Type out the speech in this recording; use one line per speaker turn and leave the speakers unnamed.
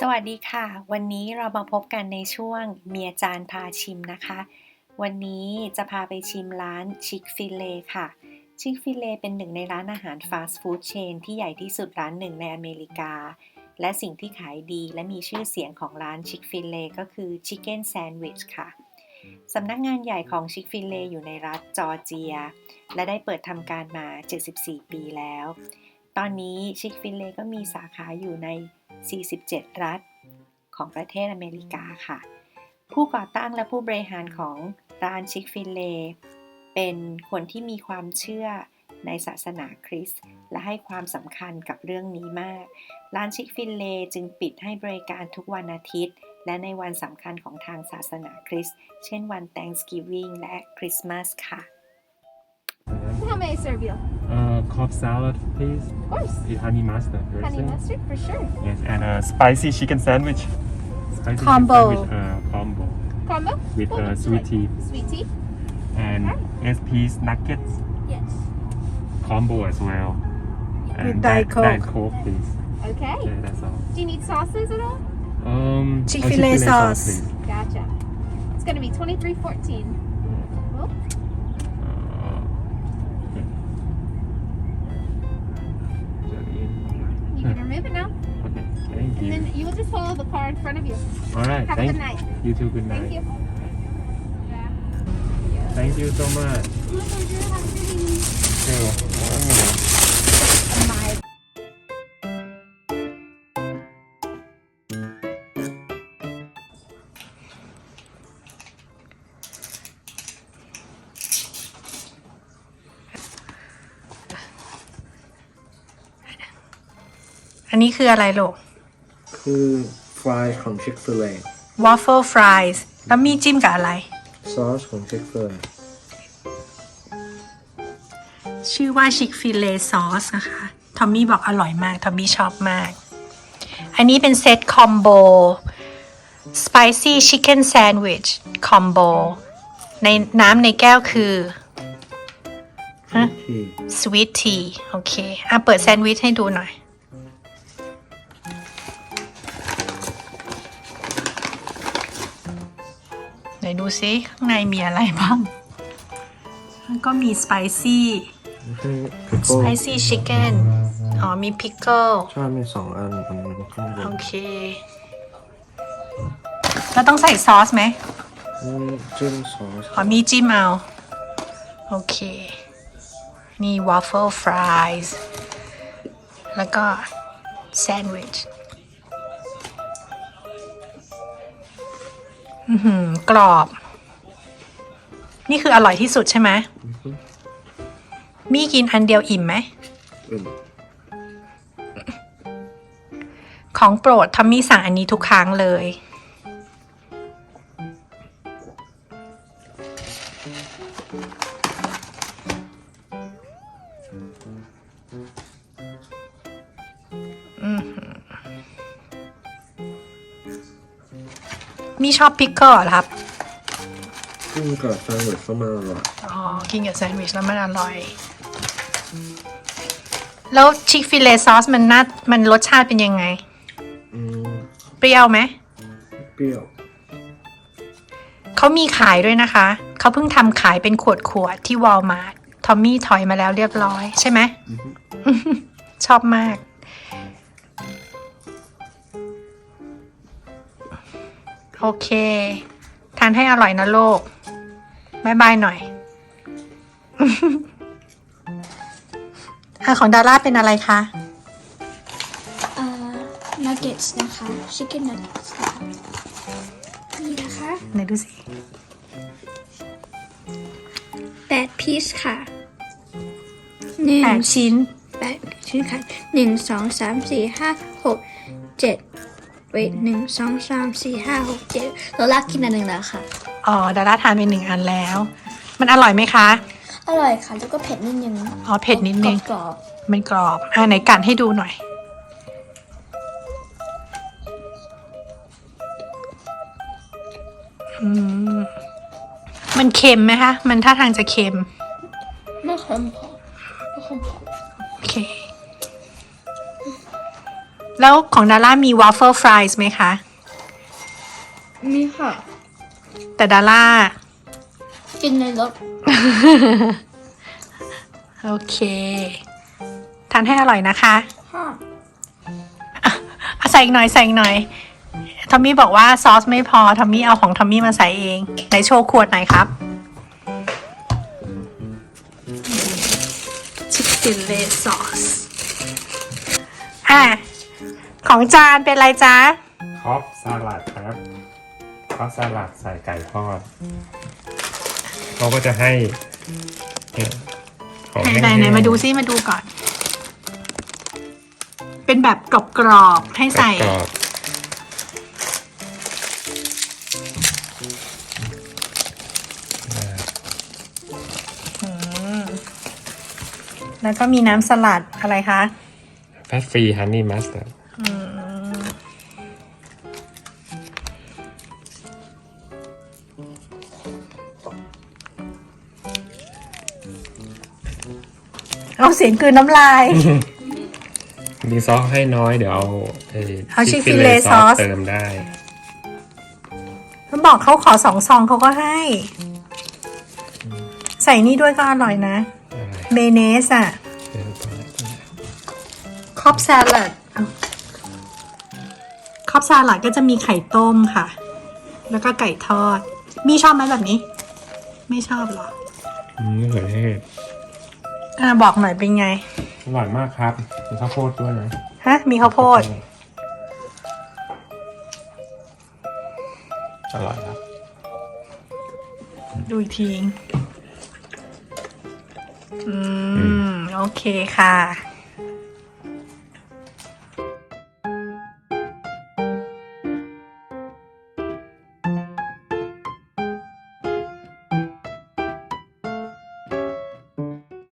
สวัสดีค่ะวันนี้เรามาพบกันในช่วงเมียจานพาชิมนะคะวันนี้จะพาไปชิมร้านชิคฟิเลค่ะชิคฟิเลเป็นหนึ่งในร้านอาหารฟาสต์ฟู้ดเชนที่ใหญ่ที่สุดร้านหนึ่งในอเมริกาและสิ่งที่ขายดีและมีชื่อเสียงของร้านชิคฟิเลก็คือชิคเก้นแซนด์วิชค่ะสำนักงานใหญ่ของชิคฟิเลอยู่ในรัฐจอร์เจียและได้เปิดทำการมา74ปีแล้วตอนนี้ชิคฟิเลก็มีสาขาอยู่ใน47 รัฐของประเทศอเมริกาค่ะผู้ก่อตั้งและผู้บริหารของร้านชิคฟิเลเป็นคนที่มีความเชื่อในศาสนาคริสต์และให้ความสำคัญกับเรื่องนี้มากร้านชิคฟิเลจึงปิดให้บริการทุกวันอาทิตย์และในวันสำคัญของทางศาสนาคริสต์เช่นวัน Thanksgiving และคริสต์มาสค่ะ
How may I serve you?
Cobb salad, please.
Of course.
With honey mustard.
Honey mustard for sure.
Yes, and a spicy chicken sandwich. Spicy
Combo.
Chicken sandwich, combo.
Combo?
With
What would you
sweet
like?
tea.
Sweet tea?
And 8-piece nuggets.
Yes.
Combo as well. And
With Diet Coke.
Diet Coke, please.
Okay.
Okay, that's all.
Do you need sauces at all?
Chick-fil-A sauce.
Please.
Gotcha. It's going to be $23.14. Well, you can remove it now.
Okay, thank
And
you.
then you will just follow the car in front of you.
All right,
Have a good night.
You too, good night.
Thank you.
Thank you so much.
My pleasure. Have a good evening.
Sure. Oh.
My
อันนี้คืออะไรลูก
คือฟรายของ Chick-fil-A
waffle fries แล้วมีจิ้มกับอะไร
ซอสของ Chick-fil-A
ชื่อว่าชิคฟิเลซอสนะคะ ทอมมี่บอกอร่อยมาก ทอมมี่ชอบมาก อันนี้เป็นเซตคอมโบ spicy chicken sandwich combo ในน้ำในแก้วคือ
ที่
sweet tea โอเคเปิดแซนด์วิชให้ดูหน่อย ไหนดูซิข้างในมีอะไรบ้างมันก็มี spicy
ไม่ใช่
spicy chicken อ๋อมี pickle
ใช่มี2 อันมันข้างบ
โอน เค แล้วต้องใส่ซอสไหม
จิ้มซอส
อ๋อมีจิ้มเอา โอเค นี่ waffle fries แล้วก็แซนด์วิชกรอบ นี่คืออร่อยที่สุดใช่ไหมมีกินอันเดียวอิ่มไหม ของโปรดทอมมี่สั่งอันนี้ทุกครั้งเลยมีชอบพิกเกิลเหรอครับ
กินกับแซนด์วิชก็มาอร่อย
อ๋อ กินกับแซนด์วิชแล้วมันอร่อย แล้วชิคฟิเลซอสมันรสชาติเป็นยังไง เปรี้ยวไหม
เปรี้ยว
เขามีขายด้วยนะคะ เขาเพิ่งทำขายเป็นขวดที่วอลมาร์ททอมมี่ถอยมาแล้วเรียบร้อยใช่ไหม ชอบมาก โอเค ทานให้อร่อยนะโลกบายบายหน่อย ของดาร่าเป็นอะไรคะ
nuggets นะคะ chicken nuggets นะคะนี่นะคะ
ไหนดูสิ
8 piece ค่ะ
8 ชิ้น
8 ชิ้นค่ะ1 2 3 4 5 6 7 wait 1 2 3 4 5 6 7เราลากกินอันหนึ่งแล้วค่ะ
อ๋อ ดาร่าทานไป1 อันแล้ว มันอร่อยไหมคะ
อร่อยค่ะ แล้วก็เผ็ดนิดนึง
อ๋อ เผ็ดนิดนึง
กรอบ
มันกรอบ ไหนกัดให้ดูหน่อย มันเค็มไหมคะ มันท่าทางจะเค็ม
ๆไม่เค็มพอไม่เค็มพอ
โอเคแล้วของดาร่ามี waffle fries ไหมคะ
มีค่ะ
แต่ดาร่า
กินในรถ
โอเค ทานให้อร่อยนะคะ
ค่ะ
เอาใส่อีกหน่อยใส่อีกหน่อย ทอมมี่บอกว่าซอสไม่พอ ทอมมี่เอาของทอมมี่มาใส่เองไหนโชว์ขวดหน่อยครับ ชิคฟิลเล่ซอส ของจานเป็นอะไรจ๊ะ
คอฟสลัดครับคอฟสลัดใส่ไก่ทอดเขาก็จะให้เนี่ยของ
ไหน
แห้งๆ
ไหนมาดูซิมาดูก่อน เป็นแบบกรอบๆให้ใส่
กรอบๆ
แล้วก็มีน้ำสลัดอะไรคะ
แฟตฟรีฮันนี่มัสตาร์ด
เอาเสียงกลืนน้ำลาย
มีซอสให้น้อยเดี๋ยวเอา
เอา
Chick-fil-A
Chick-fil-A ซอส
เติมได้
เขาบอกเขาขอ2 ซองเขาก็ให้ ใส่นี่ด้วยก็อร่อยนะ เมเนสอะคอบซาลัดคอบซาลัดก็จะมีไข่ต้มค่ะ แล้วก็ไก่ทอด มีชอบไหมแบบนี้ ไม่ชอบหรอ
มะเขือเทศ
บอกหน่อยเป็นไง
อร่อยมากครับมีข้าวโพดด้วยนะ
ฮะ มีข้าวโพด
อร่อยครับ
ดูอีกทีโอเคค่ะ